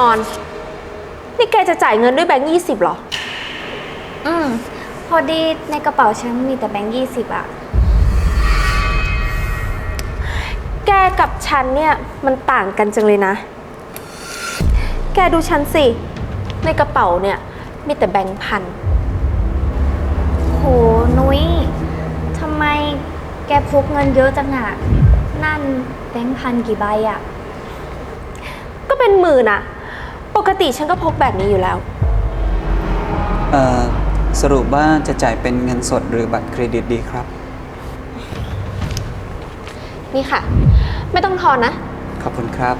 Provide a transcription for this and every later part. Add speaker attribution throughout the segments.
Speaker 1: อนนี่แกจะจ่ายเงินด้วยแบงค์20หรอ
Speaker 2: พอดีในกระเป๋าฉันมีแต่แบงค์20อะ
Speaker 1: แกกับฉันเนี่ยมันต่างกันจังเลยนะแกดูฉันสิในกระเป๋าเนี่ยมีแต่แบงค์พัน
Speaker 2: โหนุ้ยทำไมแกพกเงินเยอะจังอะนั่นแบงค์พันกี่ใบอะ
Speaker 1: ก็เป็นหมื่นอะปกติฉันก็พกแบบนี้อยู่แล้ว
Speaker 3: สรุปว่าจะจ่ายเป็นเงินสดหรือบัตรเครดิตดีครับ
Speaker 1: นี่ค่ะไม่ต้องทอนนะ
Speaker 3: ขอบคุณครับ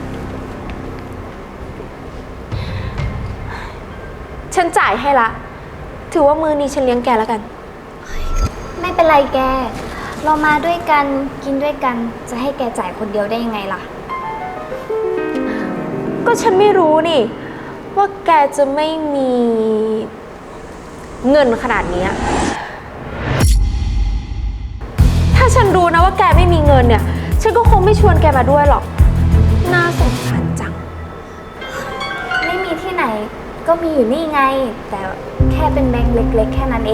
Speaker 1: ฉันจ่ายให้ละถือว่ามือนี้ฉันเลี้ยงแกแล้วกัน
Speaker 2: ไม่เป็นไรแก เรามาด้วยกันกินด้วยกันจะให้แกจ่ายคนเดียวได้ยังไงล่ะ
Speaker 1: ก็ฉันไม่รู้นี่ว่าแกจะไม่มีเงินขนาดนี้ถ้าฉันรู้นะว่าแกไม่มีเงินเนี่ยฉันก็คงไม่ชวนแกมาด้วยหรอกน่าสงสารจัง
Speaker 2: ไม่มีที่ไหนก็มีอยู่นี่ไง แต่แค่เป็นแบงค์เล็กๆแค่นั้นเอง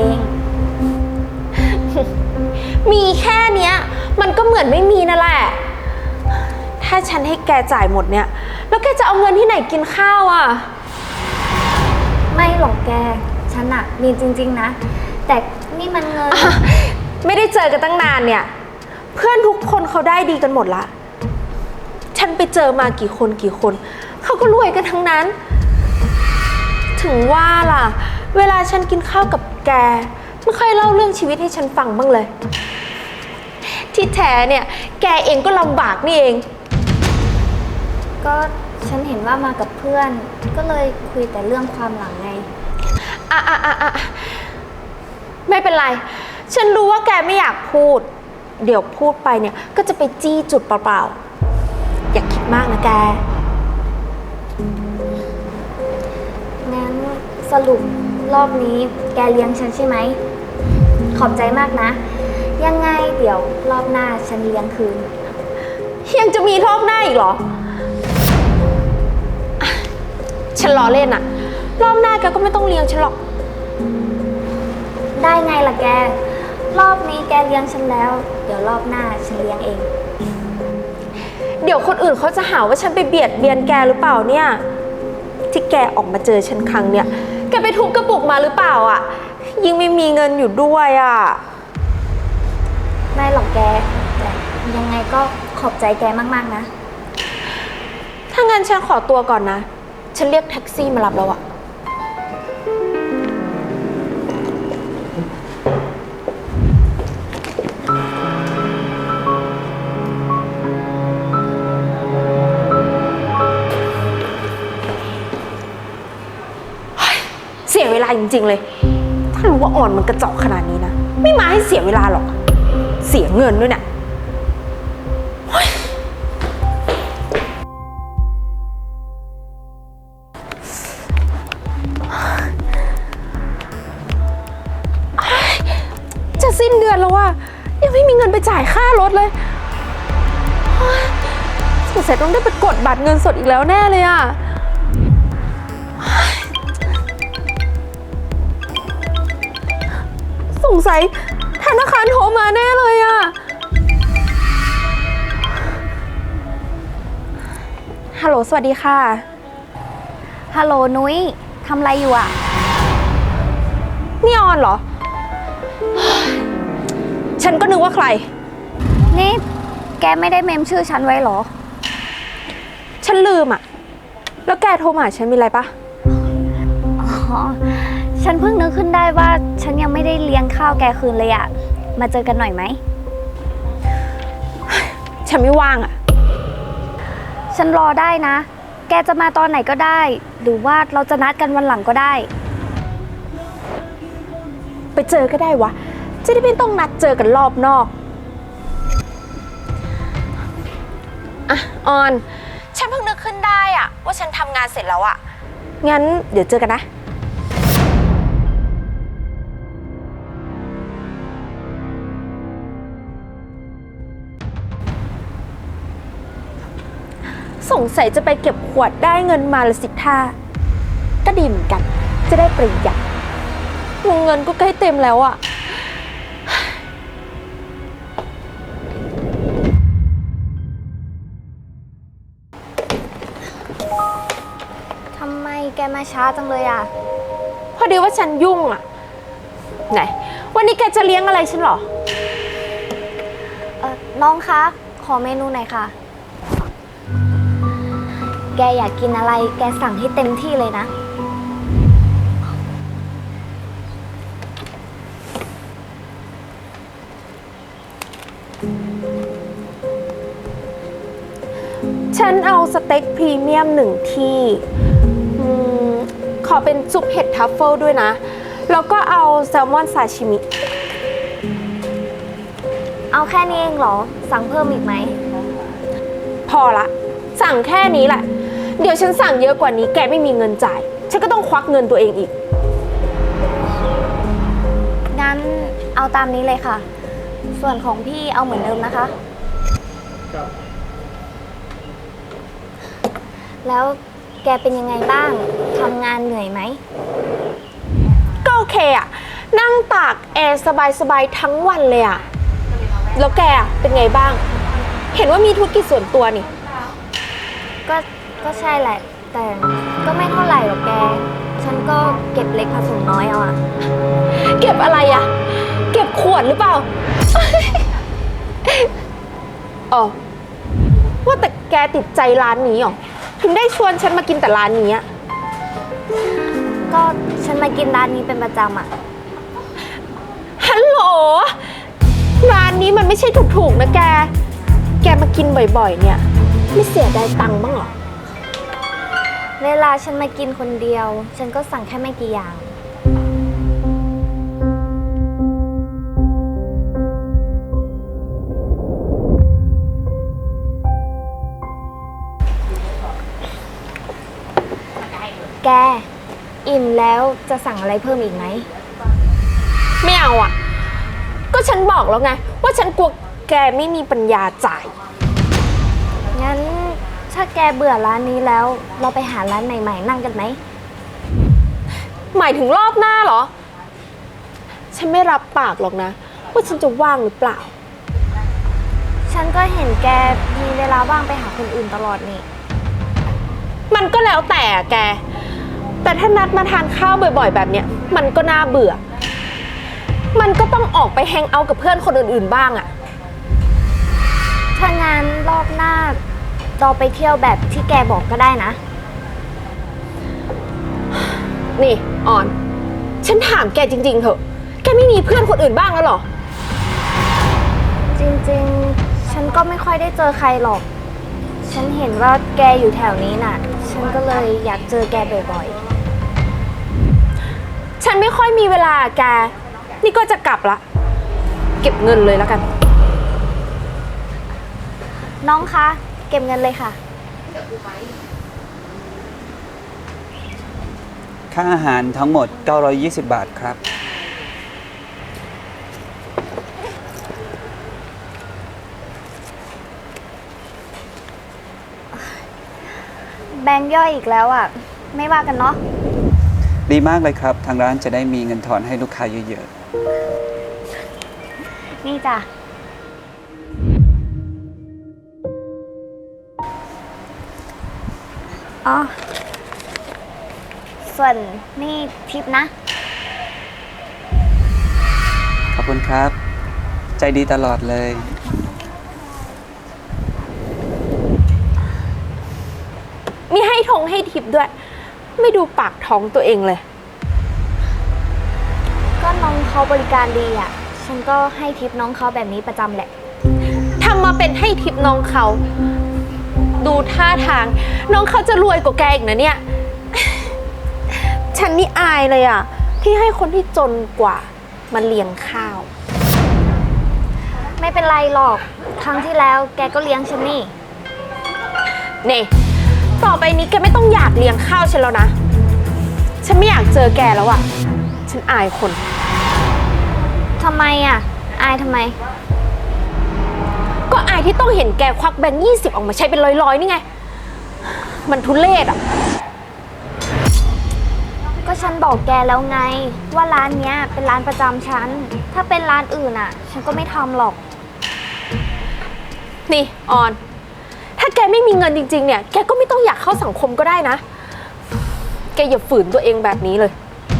Speaker 1: มีแค่เนี้ยมันก็เหมือนไม่มีนั่นแหละถ้าฉันให้แกจ่ายหมดเนี่ยแล้วแกจะเอาเงินที่ไหนกินข้าวอ่ะ
Speaker 2: ไม่หรอกแก ฉันอะมีจริงๆนะ แต่นี่มันเงิน
Speaker 1: ไม่ได้เจอกันตั้งนานเนี่ยเพื่อนทุกคนเขาได้ดีกันหมดละฉันไปเจอมากี่คนเขาก็รวยกันทั้งนั้น ถึงว่าล่ะเวลาฉันกินข้าวกับแกไม่ค่อยเล่าเรื่องชีวิตให้ฉันฟังบ้างเลย ที่แท้เนี่ยแกเองก็ลำบากนี่เอง
Speaker 2: ก็ฉันเห็นว่ามากับเพื่อน ก็เลยคุยแต่เรื่องความหลังไง
Speaker 1: อ่ะไม่เป็นไรฉันรู้ว่าแกไม่อยากพูดเดี๋ยวพูดไปเนี่ยก็จะไปจี้จุดเปล่าๆอย่าคิดมากนะแก
Speaker 2: งั้นสรุปรอบนี้แกเลี้ยงฉันใช่ไหม ขอบใจมากนะ ยังไงเดี๋ยวรอบหน้าฉันเลี้ยงคืน
Speaker 1: ยังจะมีรอบหน้าอีกเหรออ่ะฉันล้อเล่นอะรอบหน้าแกก็ไม่ต้องเลี้ยงฉันหรอก
Speaker 2: ได้ไงล่ะแก รอบนี้แกเลี้ยงฉันแล้ว เดี๋ยวรอบหน้าฉันเลี้ยงเอง
Speaker 1: เดี๋ยวคนอื่นเขาจะหาว่าฉันไปเบียดเบียนแกหรือเปล่าเนี่ย ที่แกออกมาเจอฉันครั้งเนี่ยแกไปทุบกระปุกมาหรือเปล่าอะยิ่งไม่มีเงินอยู่ด้วยอะ
Speaker 2: ไม่หรอกแก แต่ยังไงก็ขอบใจแกมากๆนะ
Speaker 1: ถ้างั้นฉันขอตัวก่อนนะ ฉันเรียกแท็กซี่มารับแล้วอะเสียเวลาจริงๆเลย ถ้ารู้ว่าอ่อนมันกระจอกขนาดนี้นะ ไม่มาให้เสียเวลาหรอก เสียเงินด้วยเนี่ยจะสิ้นเดือนแล้วอะยังไม่มีเงินไปจ่ายค่ารถเลยสงสัยต้องได้ไปกดบัตรเงินสดอีกแล้วแน่เลยอะสงสัยธนาคารโทรมาแน่เลยอะฮัลโหลสวัสดีค่ะ
Speaker 2: ฮัลโหลนุ้ยทำอะไรอยู่อะ
Speaker 1: นี่ออนเหรอ ฉันก็นึกว่าใคร
Speaker 2: นี่แกไม่ได้เมมชื่อฉันไว้เหรอ
Speaker 1: ฉันลืมอะแล้วแกโทรมาหาฉันมีอะไรปะ
Speaker 2: อ๋อ ฉันเพิ่งนึกขึ้นได้ว่าฉันยังไม่ได้เลี้ยงข้าวแกคืนเลยอะมาเจอกันหน่อยไหม
Speaker 1: ฉันไม่ว่างอะ
Speaker 2: ฉันรอได้นะ แกจะมาตอนไหนก็ได้ หรือว่าเราจะนัดกันวันหลังก็ได้
Speaker 1: ไปเจอก็ได้วะ จะได้ไม่ต้องนัดเจอกันรอบนอกอะออน ฉันเพิ่งนึกขึ้นได้อะว่าฉันทำงานเสร็จแล้วอะงั้นเดี๋ยวเจอกันนะสสงสัยจะไปเก็บขวดได้เงินมาละสิท่าก็ดีเหมือนกัน จะได้ประหยัดวงเงินก็ใกล้เต็มแล้วอะ
Speaker 2: ทำไมแกมาช้าจังเลยอ่ะ
Speaker 1: พอดีว่าฉันยุ่งอะไหนวันนี้แกจะเลี้ยงอะไรฉันเหรอ
Speaker 2: น้องคะ ขอเมนูหน่อยค่ะ แกอยากกินอะไร แกสั่งให้เต็มที่เลยนะ
Speaker 1: ฉันเอาสเต็กพรีเมียม1 ที่ขอเป็นซุปเห็ดทัฟเฟิลด้วยนะ แล้วก็เอาแซลมอนซาชิมิ
Speaker 2: เอาแค่นี้เองเหรอ สั่งเพิ่มอีกไหม
Speaker 1: พอละ สั่งแค่นี้แหละ เดี๋ยวฉันสั่งเยอะกว่านี้แกไม่มีเงินจ่าย ฉันก็ต้องควักเงินตัวเองอีก
Speaker 2: งั้นเอาตามนี้เลยค่ะ ส่วนของพี่เอาเหมือนเดิมนะคะ แล้วแกเป็นยังไงบ้าง ทำงานเหนื่อยไหม
Speaker 1: ก็โอเคอะนั่งตากแอร์สบายๆทั้งวันเลยอะแล้วแกอะเป็นไงบ้าง เห็นว่ามีธุรกิจส่วนตัวนี่
Speaker 2: ก็ใช่แหละ แต่ก็ไม่เท่าไหร่หรอกแก ฉันก็เก็บเล็กผสมน้อยเอาอะ
Speaker 1: เก็บอะไรอะเก็บขวดหรือเปล่า อ๋อว่าแต่แกติดใจร้านนี้เหรอถึงได้ชวนฉันมากินแต่ร้านนี้อะ
Speaker 2: ก็ฉันมากินร้านนี้เป็นประจำอะ
Speaker 1: ฮัลโหลร้านนี้มันไม่ใช่ถูกๆนะแก แกมากินบ่อยๆเนี่ย ไม่เสียดายตังค์บ้างเหรอ
Speaker 2: เวลาฉันมากินคนเดียว ฉันก็สั่งแค่ไม่กี่อย่าง แก อิ่มแล้วจะสั่งอะไรเพิ่มอีกไหม
Speaker 1: ไม่เอาอ่ะ ก็ฉันบอกแล้วไง ว่าฉันกลัวแกไม่มีปัญญาจ่าย
Speaker 2: งั้นถ้าแกเบื่อร้านนี้แล้ว เราไปหาร้านใหม่ๆนั่งกันไหม
Speaker 1: หมายถึงรอบหน้าเหรอ ฉันไม่รับปากหรอกนะ ว่าฉันจะว่างหรือเปล่า
Speaker 2: ฉันก็เห็นแกมีเวลาว่างไปหาคนอื่นตลอดนี่
Speaker 1: มันก็แล้วแต่อะแก แต่ถ้านัดมาทานข้าวบ่อยๆ แบบเนี้ย มันก็น่าเบื่อ มันก็ต้องออกไปแฮงเอาท์กับเพื่อนคนอื่นๆ บ้างอะ
Speaker 2: ถ้างั้นรอบหน้าเราไปเที่ยวแบบที่แกบอกก็ได้นะ
Speaker 1: นี่ออน ฉันถามแกจริงๆเถอะ แกไม่มีเพื่อนคนอื่นบ้างแล้วเหรอ
Speaker 2: จริงๆ ฉันก็ไม่ค่อยได้เจอใครหรอก ฉันเห็นว่าแกอยู่แถวนี้น่ะ ฉันก็เลยอยากเจอแกบ่อย
Speaker 1: ฉันไม่ค่อยมีเวลาแก นี่ก็จะกลับละ เก็บเงินเลยแล้วกัน
Speaker 2: ๆ น้องคะ เก็บเงินเลยค่ะ
Speaker 3: ค่าอาหารทั้งหมด 920 บาทครับ
Speaker 2: แบงค์ย่อยอีกแล้วอ่ะ ไม่ว่ากันเนาะ
Speaker 3: ดีมากเลยครับ ทางร้านจะได้มีเงินทอนให้ลูกค้าเยอะ
Speaker 2: นี่จ้ะ อ๋อ ส่วนนี่ทิปนะ
Speaker 3: ๆ ขอบคุณครับ ใจดีตลอดเลย
Speaker 1: มีให้ทงให้ทิปด้วย ไม่ดูปากท้องตัวเองเลย
Speaker 2: ก็น้องเขาบริการดีอ่ะ ฉันก็ให้ทิปน้องเขาแบบนี้ประจำแหละ
Speaker 1: ทำมาเป็นให้ทิปน้องเขา ดูท่าทาง น้องเขาจะรวยกว่าแกอีกนะเนี่ย ฉันนี่อายเลยอ่ะ ที่ให้คนที่จนกว่ามาเลี้ยงข้าว
Speaker 2: ไม่เป็นไรหรอก ครั้งที่แล้วแกก็เลี้ยงฉันนี่
Speaker 1: นี่ต่อไปนี้แกไม่ต้องอยากเลี้ยงข้าวฉันแล้วนะ ฉันไม่อยากเจอแกแล้วอ่ะ ฉันอายคน
Speaker 2: ทำไมอ่ะ อายทำไม
Speaker 1: ก็อายที่ต้องเห็นแกควักแบงค์20 ออกมาใช้เป็นร้อยๆนี่ไงมันทุเรศอ่ะ
Speaker 2: ก็ฉันบอกแกแล้วไง ว่าร้านเนี้ยเป็นร้านประจำฉัน ถ้าเป็นร้านอื่นอ่ะ ฉันก็ไม่ทำหรอก
Speaker 1: นี่ออน ถ้าแกไม่มีเงินจริงๆเนี่ย แกก็ไม่ต้องอยากเข้าสังคมก็ได้นะ แกอย่าฝืนตัวเองแบบนี้เลย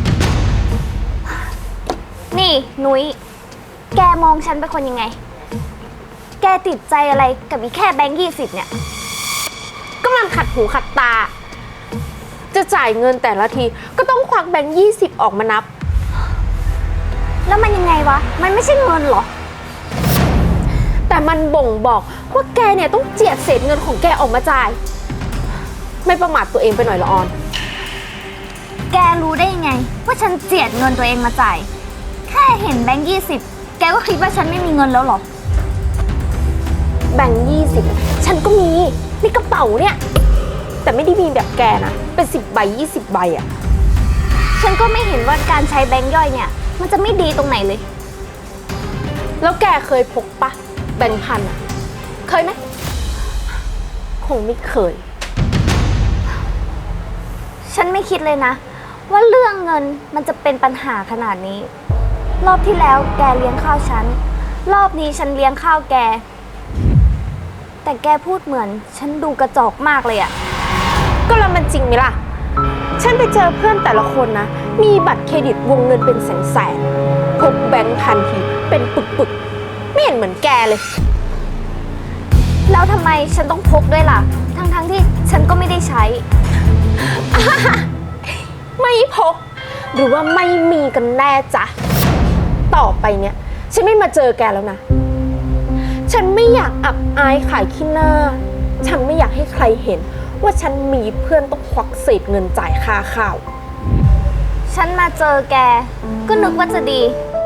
Speaker 2: นี่นุ้ย แกมองฉันเป็นคนยังไง แกติดใจอะไรกับอีแค่แบงค์20เนี่ย
Speaker 1: ก็มันขัดหูขัดตา จะจ่ายเงินแต่ละทีก็ต้องควักแบงค์20ออกมานับ
Speaker 2: แล้วมันยังไงวะ มันไม่ใช่เงินเหรอ
Speaker 1: แต่มันบ่งบอกว่าแกเนี่ยต้องเจียดเศษเงินของแกออกมาจ่าย ไม่ประมาทตัวเองไปหน่อยละออน
Speaker 2: แกรู้ได้ยังไง ว่าฉันเจียดเงินตัวเองมาจ่าย แค่เห็นแบงค์20แกก็คิดว่าฉันไม่มีเงินแล้วเหรอ
Speaker 1: แบงค์20ฉันก็มีในกระเป๋าเนี่ย แต่ไม่ได้มีแบบแกนะ เป็น10 ใบ 20 ใบอะ
Speaker 2: ฉันก็ไม่เห็นว่าการใช้แบงค์ย่อยเนี่ย มันจะไม่ดีตรงไหนเลย
Speaker 1: แล้วแกเคยพกปะแบงค์พันอะเคยไหม คงไม่เคย
Speaker 2: ฉันไม่คิดเลยนะ ว่าเรื่องเงินมันจะเป็นปัญหาขนาดนี้ รอบที่แล้วแกเลี้ยงข้าวฉัน รอบนี้ฉันเลี้ยงข้าวแก แต่แกพูดเหมือนฉันดูกระจอกมากเลยอะ
Speaker 1: ก็แล้วมันจริงไหมล่ะ ฉันไปเจอเพื่อนแต่ละคนนะ มีบัตรเครดิตวงเงินเป็นแสนๆพกแบงค์พันทีเป็นปึกๆ ไม่เห็นเหมือนแกเลย
Speaker 2: แล้วทำไมฉันต้องพกด้วยล่ะ ทั้งที่ฉันก็ไม่ได้ใช้
Speaker 1: ไม่พก หรือว่าไม่มีกันแน่จ๊ะ ต่อไปเนี่ย ฉันไม่มาเจอแกแล้วนะ ฉันไม่อยากอับอายขายขี้หน้า ฉันไม่อยากให้ใครเห็นว่าฉันมีเพื่อนต้องควักเศษเงินจ่ายค่าข้าว
Speaker 2: ฉันมาเจอแก ก็นึกว่าจะดี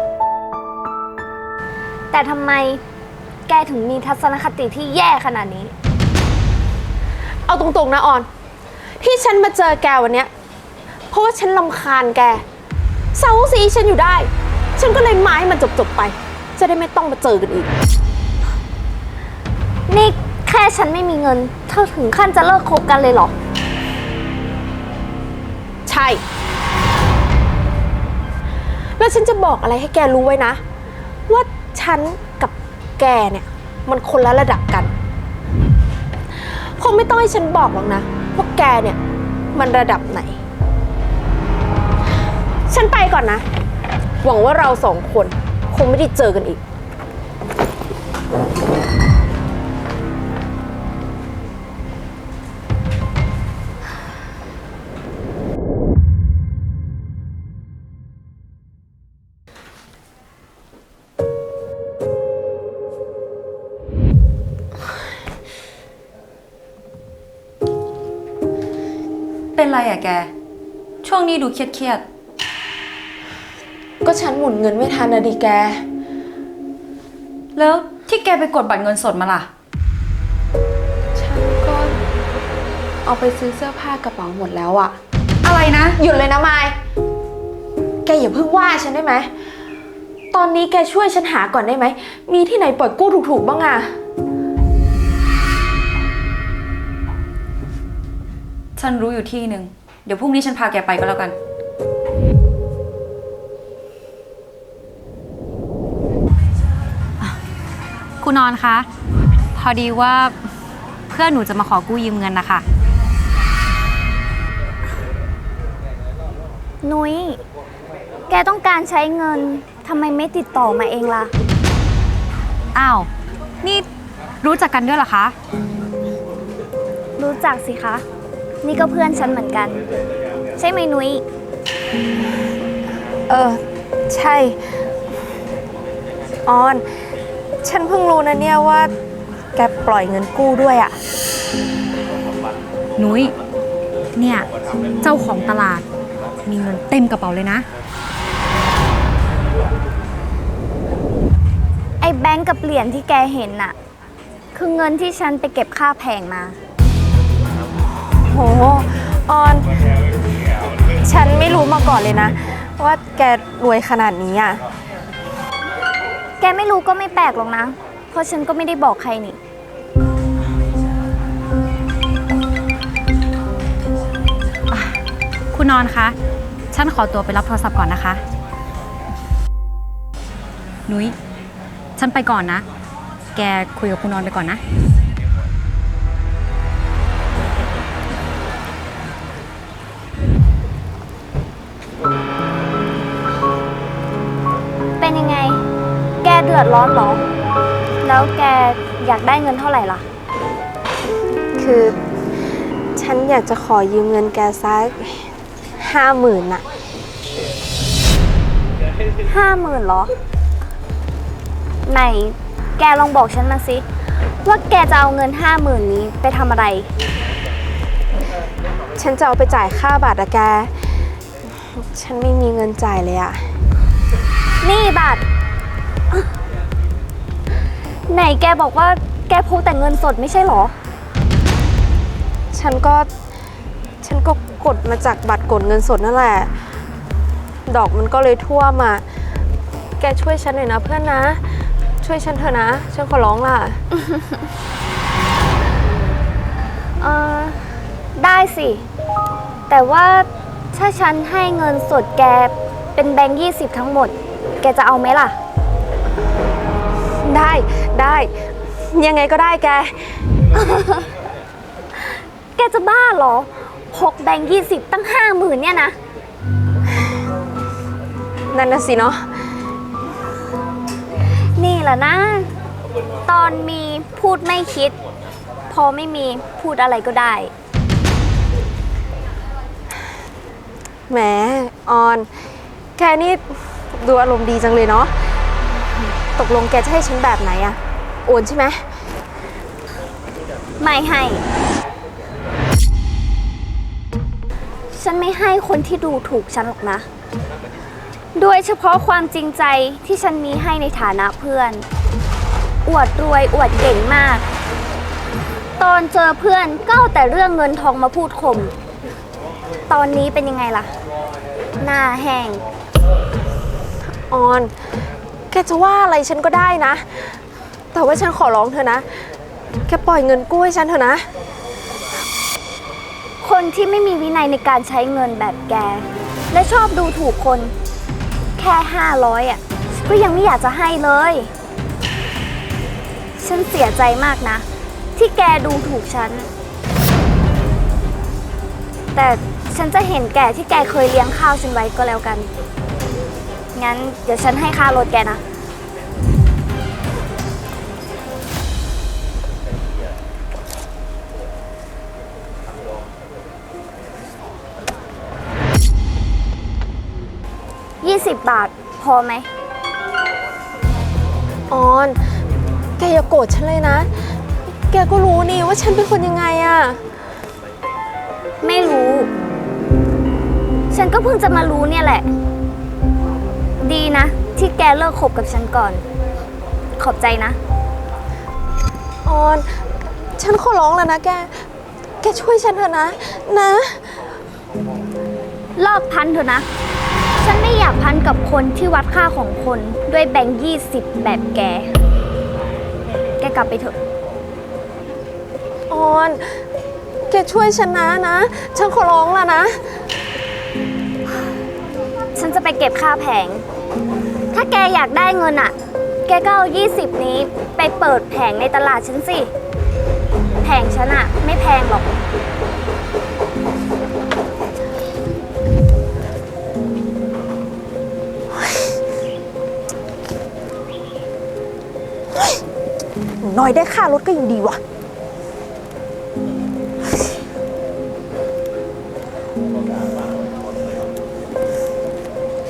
Speaker 2: แต่ทำไมแกถึงมีทัศนคติที่แย่ขนาดนี้
Speaker 1: เอาตรงๆนะออน ที่ฉันมาเจอแกวันเนี้ยเพราะว่าฉันรำคาญแกเซาซีฉันอยู่ได้ ฉันก็เลยมาให้มันจบๆไป จะได้ไม่ต้องมาเจอกันอีก
Speaker 2: นี่แค่ฉันไม่มีเงิน เธอถึงขั้นจะเลิกคบกันเลยเหรอ
Speaker 1: ใช่ แล้วฉันจะบอกอะไรให้แกรู้ไว้นะ ว่าฉันกับแกเนี่ยมันคนละระดับกัน คงไม่ต้องให้ฉันบอกหรอกนะว่าแกเนี่ยมันระดับไหน ฉันไปก่อนนะ หวังว่าเราสองคนคงไม่ได้เจอกันอีก
Speaker 4: เป็นไรอะแก ช่วงนี้ดูเครียด
Speaker 1: ก็ฉันหมุนเงินไม่ทันนะดิแก
Speaker 4: ๆแล้วที่แกไปกดบัตรเงินสดมาล่ะ
Speaker 1: ฉันก็เอาไปซื้อเสื้อผ้ากระเป๋าหมดแล้วอะ
Speaker 4: อะไรนะ
Speaker 1: หยุดเลยนะมาย แกอย่าเพิ่งว่าฉันได้ไหม ตอนนี้แกช่วยฉันหาก่อนได้ไหม มีที่ไหนปล่อยกู้ถูกๆบ้างอะ
Speaker 4: ฉันรู้อยู่ที่หนึ่ง เดี๋ยวพรุ่งนี้ฉันพาแกไปก็แล้วกัน
Speaker 5: คุณนอนคะ พอดีว่าเพื่อนหนูจะมาขอกู้ยืมเงินนะคะ
Speaker 2: นุ้ย แกต้องการใช้เงิน ทำไมไม่ติดต่อมาเองล่ะ
Speaker 5: อ้าว นี่รู้จักกันด้วยเหรอคะ
Speaker 2: รู้จักสิคะ นี่ก็เพื่อนฉันเหมือนกัน ใช่ไหมนุ้ย
Speaker 1: ใช่ ออน ฉันเพิ่งรู้นะเนี่ยว่า แกปล่อยเงินกู้ด้วยอะ
Speaker 5: นุ้ย เนี่ย เจ้าของตลาด มีเงินเต็มกระเป๋าเลยนะ
Speaker 2: ไอ้แบงก์กับเหรียญที่แกเห็นน่ะ คือเงินที่ฉันไปเก็บค่าแผงมา
Speaker 1: โห ออน ฉันไม่รู้มาก่อนเลยนะ ว่าแกรวยขนาดนี้อะ
Speaker 2: แกไม่รู้ก็ไม่แปลกหรอกนะ เพราะฉันก็ไม่ได้บอกใครนี่
Speaker 5: คุณนอนคะ ฉันขอตัวไปรับโทรศัพท์ก่อนนะคะ นุ้ย ฉันไปก่อนนะ แกคุยกับคุณนอนไปก่อนนะ
Speaker 2: เป็นยังไง แกเดือดร้อนเหรอ แล้วแกอยากได้เงินเท่าไหร่ล่ะ
Speaker 1: คือฉันอยากจะขอยืมเงินแกสัก50,000น่ะ
Speaker 2: 50,000เหรอ ไหน แกลองบอกฉันมาสิ ว่าแกจะเอาเงิน 50,000นี้ไปทำอะไร
Speaker 1: ฉันจะเอาไปจ่ายค่าบัตรอะแก ฉันไม่มีเงินจ่ายเลยอะ
Speaker 2: นี่บัตรอ่ะไหนแกบอกว่าแกพกแต่เงินสดไม่ใช่เหรอ
Speaker 1: ฉันก็กดมาจากบัตรกดเงินสดนั่นแหละ ดอกมันก็เลยท่วมอะแกช่วยฉันหน่อยนะเพื่อนนะ ช่วยฉันเถอะนะ ฉันขอร้องล่ะ
Speaker 2: เออได้สิ แต่ว่าถ้าฉันให้เงินสดแกเป็นแบงค์20ทั้งหมด แกจะเอาไหมล่ะ
Speaker 1: ได้ ยังไงก็ได้แก
Speaker 2: แกจะบ้าเหรอ พกแบงค์20ตั้ง 50,000เนี่ยนะ
Speaker 1: นั่นน่ะสิเนาะ
Speaker 2: นี่แหละนะ ตอนมีพูดไม่คิด พอไม่มีพูดอะไรก็ได้
Speaker 1: แหมออน แกนี่ดูอารมณ์ดีจังเลยเนาะ ตกลงแกจะให้ฉันแบบไหนอะโอนใช่ไหม
Speaker 2: ไม่ให้ ฉันไม่ให้คนที่ดูถูกฉันหรอกนะ โดยเฉพาะความจริงใจที่ฉันมีให้ในฐานะเพื่อน อวดรวยอวดเก่งมาก ตอนเจอเพื่อนก็เอาแต่เรื่องเงินทองมาพูดข่ม ตอนนี้เป็นยังไงล่ะ หน้าแห้ง
Speaker 1: ออน แกจะว่าอะไรฉันก็ได้นะ แต่ว่าฉันขอร้องเธอนะ แกปล่อยเงินกู้ให้ฉันเถอะนะ
Speaker 2: คนที่ไม่มีวินัยในการใช้เงินแบบแก และชอบดูถูกคน แค่500อ่ะก็ยังไม่อยากจะให้เลย ฉันเสียใจมากนะ ที่แกดูถูกฉัน แต่ฉันจะเห็นแก่ที่แกเคยเลี้ยงข้าวฉันไว้ก็แล้วกัน งั้นเดี๋ยวฉันให้ค่ารถแกนะ 20 บาท พอไหม
Speaker 1: ออน แกอย่าโกรธฉันเลยนะ แกก็รู้นี่ว่าฉันเป็นคนยังไงอะ
Speaker 2: ไม่รู้ ฉันก็เพิ่งจะมารู้เนี่ยแหละ ดีนะ ที่แกเลิกคบกับฉันก่อน ขอบใจนะ
Speaker 1: ออน ฉันขอร้องแล้วนะแก แกช่วยฉันเถอะนะ นะ
Speaker 2: เลิกพันเถอะนะ ฉันไม่อยากพันกับคนที่วัดค่าของคนด้วยแบงค์20แบบแก แกกลับไปเถอะ
Speaker 1: ออน แกช่วยฉันนะ ฉันขอร้องแล้วนะ
Speaker 2: ฉันจะไปเก็บค่าแผง ถ้าแกอยากได้เงินอ่ะ แกก็เอา20นี้ไปเปิดแผงในตลาดฉันสิ แผงฉันอ่ะ ไม่แพงหรอก
Speaker 1: น้อยได้ค่ารถก็ยังดีวะ